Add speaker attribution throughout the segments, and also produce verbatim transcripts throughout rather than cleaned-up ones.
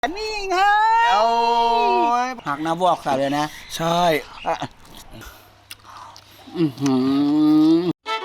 Speaker 1: นี่ไงหักน้ำวอกใส่เลยนะ
Speaker 2: ใช่
Speaker 1: อือหือ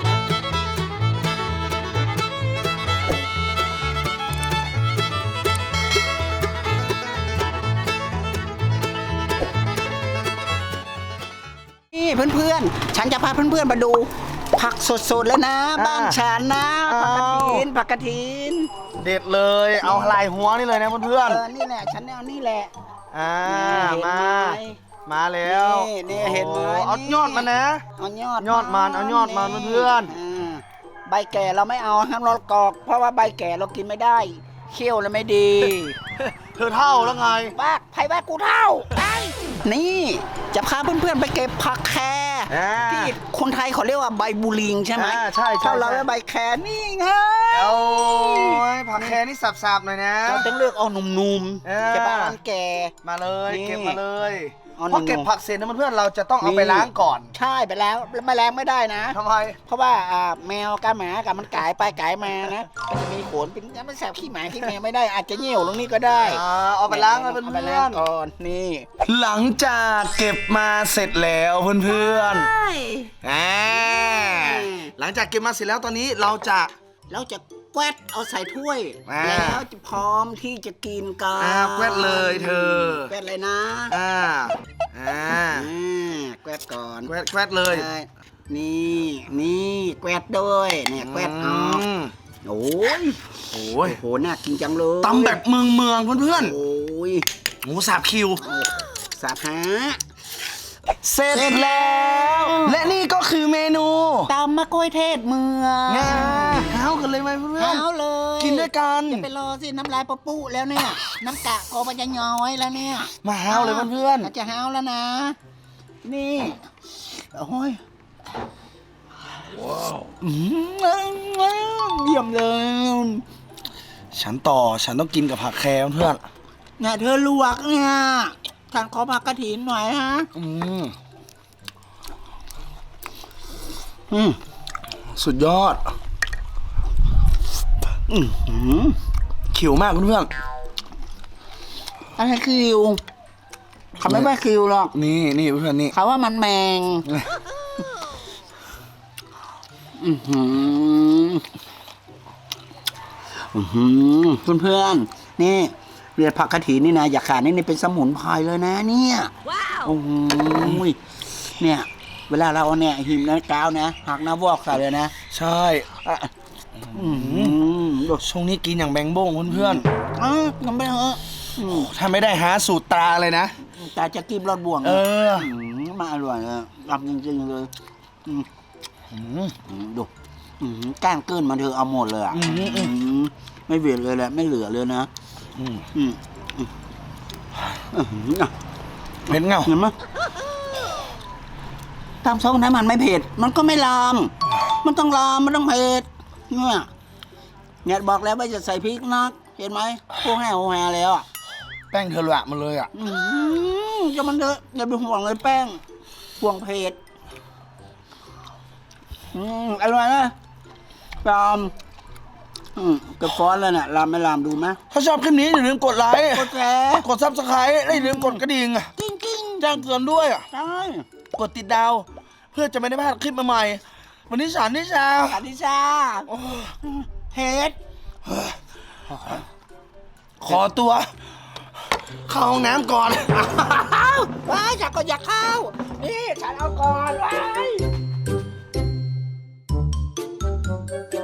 Speaker 1: นี่เพื่อนๆฉันจะพาเพื่อนๆมาดูผักสดๆแล้วนะบ้านฉันนะผักกระถินผักกระถิน
Speaker 2: เด็ดเลยเอาลายหัวนี่เลยนะเพื่อน
Speaker 1: ๆเออนี่แหละฉันเอานี่แหละ
Speaker 2: อ่ามามาแล้ว
Speaker 1: นี่เห็นไหม
Speaker 2: เอายอดมันนะ
Speaker 1: เอายอด
Speaker 2: ยอดมันเอายอดมันเพื่อน
Speaker 1: ใบแก่เราไม่เอาห้ามเรากอกเพราะว่าใบแก่เรากินไม่ได้เคี้ยวแล้วไม่ดี
Speaker 2: เธอเท่าแล้วไง
Speaker 1: บ้าไผ่บ้ากูเท่านี่จะพาเพื่อนๆไปเก็บผักแคที่คนไทยเขาเรียกว่าใบบูลิงใช่ไหม
Speaker 2: ใช่ใช่
Speaker 1: เราใบแคนี่ไง
Speaker 2: โอ้ยผักแคนี่สับๆหน่อยนะ
Speaker 1: เราต้องเลือกเอาหนุ่มๆใช่ป่ะมันแก่
Speaker 2: มาเลยเก็บมาเลยเพราะเก็บผักเสร็จนะเพื่อนเราจะต้องเอาไปล้างก่อน
Speaker 1: ใช่ไปแล้วไม่ล้างไม่ได้นะ
Speaker 2: ทำไม
Speaker 1: เพราะว่าแมวกับหมากับมันกายไปกายมานะมันจะมีขนเป็นมันแสบขี้หมาขี้แมวไม่ได้อาจจะเหี่ยวตรงนี้ก็ได้
Speaker 2: เอาไปล้างเลยเพื่อน
Speaker 1: ก่อนนี่
Speaker 2: หลังจากเก็บมาเสร็จแล้วเพื่อนๆอ่าหลังจากเก็บมาเสร็จแล้วตอนนี้เราจะ
Speaker 1: เราจะแกวดเอาใส่ถ้วยแล้วจะพร้อมที่จะกินกัน
Speaker 2: อ่าแกวดเลยเธอ
Speaker 1: แกวดเลยนะ
Speaker 2: อ่าอ่า
Speaker 1: แกวดก่อน
Speaker 2: แกวดแกวดเลย
Speaker 1: นี่นี่แกวดด้วยเนี่ยแกวดออกโอ้ย
Speaker 2: โอ้ย
Speaker 1: โหน่ากินจังเลย
Speaker 2: ตำแบบเมืองเมืองเพื่อน
Speaker 1: ๆโอ้ย
Speaker 2: หมูสับคิว
Speaker 1: สับฮะ
Speaker 2: เสร็จแล้วและนี่ก็คือเมนู
Speaker 1: ตำมะกล้วยเทศเมือง
Speaker 2: งาเฮากันเลยไหมเพื่อน
Speaker 1: เฮาเลย
Speaker 2: กินด้วยกัน
Speaker 1: จะไปรอสิน้ำลายปะปุแล้วเนี่ยน้ำกะกอมันจะย้อยแล้วเนี่ย
Speaker 2: มาเฮาเลยเพื่อน
Speaker 1: จะเฮาแล้วนะนี่โอ้ยว้าวเยี่ยมเลย
Speaker 2: ฉันต่อฉันต้องกินกับผักแคร์เพื่อน
Speaker 1: เนี่ยเธอลวกเนี่ยฉันขอผักกระถินหน่อยฮะ
Speaker 2: อืมอืมสุดยอดอืมขิวมากเพื่อน
Speaker 1: อะไรคิวเขาไม่ว่าคิวหรอก
Speaker 2: นี่นี่เพื่อนนี่
Speaker 1: เขาว่ามันแมงอือหืออือหือเพื่อนๆนี่เรียดผักกระถินนี่นะอย่าขาดนี่นี่เป็นสมุนไพรเลยนะเนี่ยว้าวโอ้โหเนี่ยเวลาเราเนี่ยหิมนะก้าวนะหักน้ำวอกใส่เลยนะ
Speaker 2: ใช่อืมช่วงนี้กินอย่างแบงโบ้งเพื่อน
Speaker 1: ๆอ่ะทำไปเถอะ
Speaker 2: ถ้าไม่ได้หาสูตรตราเลยนะ
Speaker 1: ตาจะกินรอดบ่วง
Speaker 2: เออ
Speaker 1: มาอร่อยเลยรับจริงๆเลยดูก้างเกินมาเธอเอาหมดเลยอ่ะไม่เหลือเลยแหละไม่เหลือเลยนะ
Speaker 2: เผ็ดเงา
Speaker 1: เห็นไหมตามซองนั้นมันไม่เผ็ดมันก็ไม่ลามมันต้องลามมันต้องเผ็ดเนี่ยเนี่ยบอกแล้วว่าจะใส่พริกนักเห็นไหมพวกแห่โหแห่แล้วอ่ะ
Speaker 2: แป้งเธอละมาเลยอ่ะ
Speaker 1: จะมันเถอะอย่าไปห่วงเลยแป้งห่วงเผ็ดอืมอร่อยนะลามอืมกระฟ้อนแล้วเนี่ยลามไม่ลามดูไหม
Speaker 2: ถ้าชอบคลิปนี้อย่าลืมกดไลค์
Speaker 1: กดแชร์
Speaker 2: กดซับสไครต์และอย่าลืมกดกระดิ่ง
Speaker 1: กิ้งกิ้ง
Speaker 2: แจ้งเตือนด้วย
Speaker 1: ใช่
Speaker 2: กดติดดาวเพื่อจะไม่ได้พลาดคลิปใหม่ๆวันนี้สารนิชา
Speaker 1: สารนิชาเฮ็ด
Speaker 2: ขอตัวเข้าห้องน้ำก่อน
Speaker 1: ว้ายฉันก็อยากเข้านี่ฉันเอาก่อนว้าย